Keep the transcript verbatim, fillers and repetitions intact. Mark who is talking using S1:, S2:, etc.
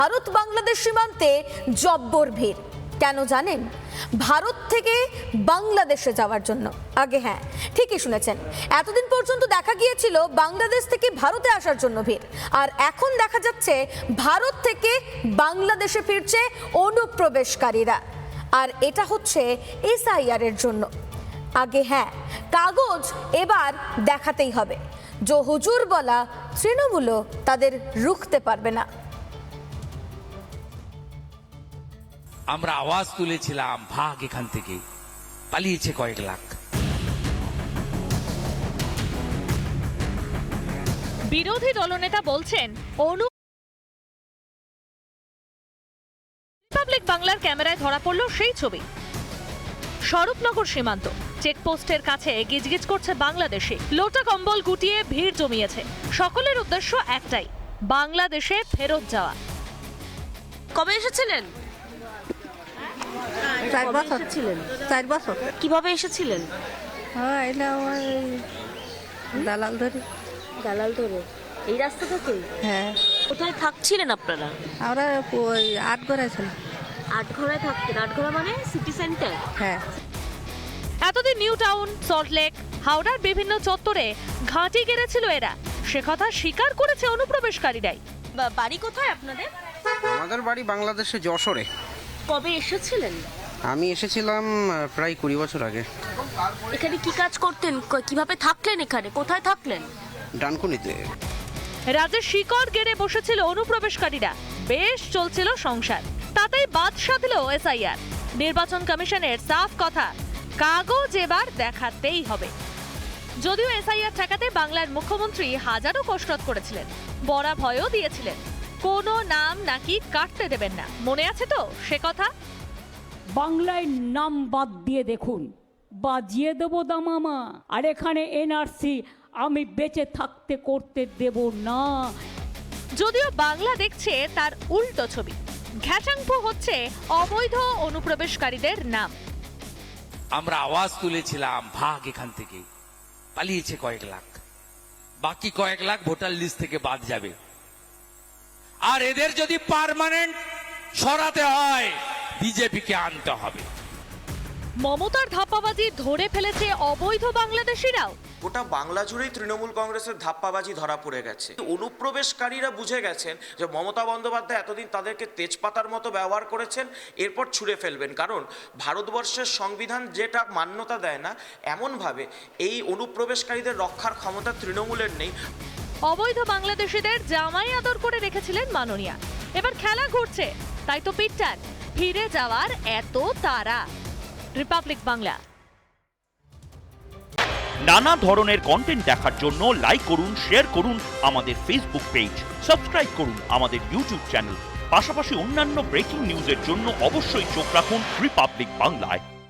S1: ভারত বাংলাদেশ সীমান্তে জব্বর ভিড়। কেন জানেন? ভারত থেকে বাংলাদেশে যাওয়ার জন্য। আগে হ্যাঁ, ঠিকই শুনেছেন, এতদিন পর্যন্ত দেখা গিয়েছিল বাংলাদেশ থেকে ভারতে আসার জন্য ভিড়, আর এখন দেখা যাচ্ছে ভারত থেকে বাংলাদেশে ফিরছে অনুপ্রবেশকারীরা, আর এটা হচ্ছে এসআইআর এর জন্য। আগে হ্যাঁ, কাগজ এবার দেখাতেই হবে। যে হুজুর বলা তৃণমূলও তাদের রুখতে পারবে না।
S2: আমরা আওয়াজ তুলেছিলাম, ভাগ এখান থেকে, পালিয়েছে কয়েক লাখ।
S3: বিরোধী দলনেতা বলছেন অনু রিপাবলিক বাংলার ক্যামেরায় ধরা পড়ল সেই ছবি। স্বরূপনগর সীমান্ত চেকপোস্টের কাছে গিজগিজ করছে বাংলাদেশে, লোটা কম্বল গুটিয়ে ভিড় জমিয়েছে। সকলের উদ্দেশ্য একটাই, বাংলাদেশে ফেরত যাওয়া।
S4: কবে এসেছিলেন?
S5: চার বছর
S4: ছিলেন
S5: চার বছর
S4: কিভাবে এসেছিলেন?
S5: হ্যাঁ, এটা আমার এই দালাল ধরে।
S4: দালাল ধরে এই রাস্তা থেকে?
S5: হ্যাঁ,
S4: কোথায় থাকছিলেন আপনারা?
S5: আমরা ওই আট গড়ায় ছিলাম।
S4: আটঘরায় থাকতেন? আটঘরা মানে সিটি সেন্টার?
S5: হ্যাঁ,
S3: এতদিন নিউ টাউন, সল্টলেক, হাওড়ার বিভিন্ন চত্বরে ঘাঁটি গেড়েছিল এরা, সে কথা স্বীকার করেছে অনুপ্রবেশকারীরাই।
S4: বা- বাড়ি কোথায় আপনাদের?
S6: আমাদের বাড়ি বাংলাদেশে যশোরে।
S4: কবে এসেছিলেন?
S6: আমি এসেছিলাম আহ, প্রায় কুড়ি বছর আগে।
S4: এখানে কি কাজ করতেন? ক- কিভাবে থাকলেন এখানে? কোথায় থাকলেন?
S6: ডানকুনিতে।
S3: রাজ্যে শিকড় গেড়ে বসেছিল অনুপ্রবেশকারীরা, বেশ চলছিল সংসার, তাতেই বাদ সাধল এসআইআর। নির্বাচন কমিশনের সাফ কথা, কাগজ এবার দেখাতেই হবে। যদিও এসআইআর ঠেকাতে বাংলার মুখ্যমন্ত্রী হাজারো কসরত করেছিলেন, বড়া ভয়ও দিয়েছিলেন, কোনো নাম নাকি কাটতে দেবেন না। মনে আছে তো সে কথা?
S7: বাংলায় নাম বাদ দিয়ে দেখুন, বাজিয়ে দেবো দামামা। আর এখানে এনআরসি আমি বেঁচে থাকতে করতে দেব না।
S3: যদিও বাংলা দেখছে তার উল্টো ছবি, ঘ্যাচাংপো হচ্ছে অবৈধ অনুপ্রবেশকারীদের নাম।
S2: আমরা আওয়াজ তুলেছিলাম, ভাগ এখান থেকে, পালিয়েছে কয়েক লাখ। বাকি কয়েক লাখ ভোটার লিস্ট থেকে বাদ যাবে। আর এদের যদি পার্মানেন্ট সরাতে হয়, বিজেপিকে আনতে হবে।
S3: মমতার ধাপ্পাবাজি ধরে ফেলেছে অবৈধ বাংলাদেশিরাও।
S8: গোটা বাংলা জুড়েই তৃণমূল কংগ্রেসের ধাপ্পাবাজি ধরা পড়ে গেছে। অনুপ্রবেশকারীরা বুঝে গেছেন যে মমতা বন্দ্যোপাধ্যায় এতদিন তাদেরকে তেজপাতার মতো ব্যবহার করেছেন, এরপর ছুঁড়ে ফেলবেন। কারণ ভারতবর্ষের সংবিধান যেটা মান্যতা দেয় না, এমনভাবে এই অনুপ্রবেশকারীদের রক্ষার ক্ষমতা তৃণমূলের নেই।
S3: অবৈধ বাংলাদেশিদের জামাই আদর করে রেখেছিলেন মাননীয়া, এবার খেলা ঘুরছে, তাই তো পিটটান ফিরে যাওয়ার এত তারা। রিপাবলিক বাংলা।
S9: নানা ধরনের কন্টেন্ট দেখার জন্য লাইক করুন, শেয়ার করুন আমাদের ফেসবুক পেজ, সাবস্ক্রাইব করুন আমাদের ইউটিউব চ্যানেল। পাশাপাশি অন্যান্য ব্রেকিং নিউজের জন্য অবশ্যই চোখ রাখুন রিপাবলিক বাংলায়।